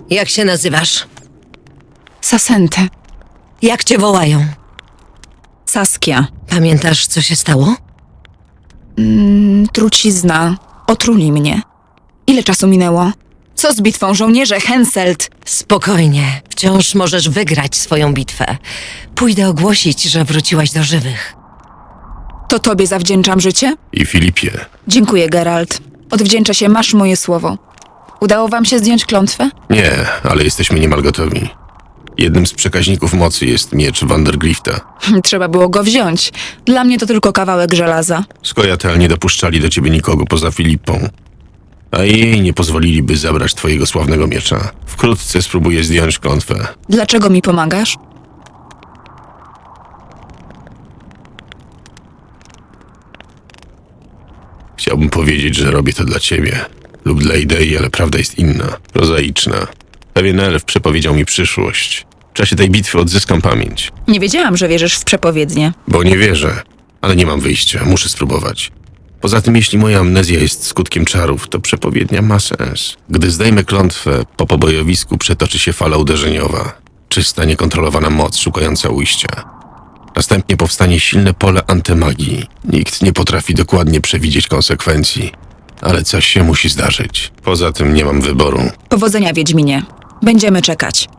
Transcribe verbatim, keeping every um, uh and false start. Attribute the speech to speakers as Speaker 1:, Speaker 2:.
Speaker 1: Jak się nazywasz?
Speaker 2: Sasente.
Speaker 1: Jak cię wołają?
Speaker 2: Saskia.
Speaker 1: Pamiętasz, co się stało?
Speaker 2: Mm, trucizna. Otruli mnie. Ile czasu minęło? Co z bitwą żołnierze Henselt?
Speaker 1: Spokojnie, wciąż możesz wygrać swoją bitwę. Pójdę ogłosić, że wróciłaś do żywych.
Speaker 2: To tobie zawdzięczam życie?
Speaker 3: I Filipie.
Speaker 2: Dziękuję, Geralt. Odwdzięczę się, masz moje słowo. Udało wam się zdjąć klątwę?
Speaker 3: Nie, ale jesteśmy niemal gotowi. Jednym z przekaźników mocy jest miecz Vandergrifta.
Speaker 2: Trzeba było go wziąć. Dla mnie to tylko kawałek żelaza.
Speaker 3: Skojatel nie dopuszczali do ciebie nikogo poza Filipą. A jej nie pozwoliliby zabrać twojego sławnego miecza. Wkrótce spróbuję zdjąć klątwę.
Speaker 2: Dlaczego mi pomagasz?
Speaker 3: Chciałbym powiedzieć, że robię to dla ciebie. Lub dla idei, ale prawda jest inna. Prozaiczna. Pewien elf przepowiedział mi przyszłość. W czasie tej bitwy odzyskam pamięć.
Speaker 2: Nie wiedziałam, że wierzysz w przepowiednie.
Speaker 3: Bo nie wierzę, ale nie mam wyjścia, muszę spróbować. Poza tym, jeśli moja amnezja jest skutkiem czarów, to przepowiednia ma sens. Gdy zdejmę klątwę, po pobojowisku przetoczy się fala uderzeniowa. Czysta, niekontrolowana moc szukająca ujścia. Następnie powstanie silne pole antymagii. Nikt nie potrafi dokładnie przewidzieć konsekwencji, ale coś się musi zdarzyć. Poza tym nie mam wyboru.
Speaker 2: Powodzenia, Wiedźminie. Będziemy czekać.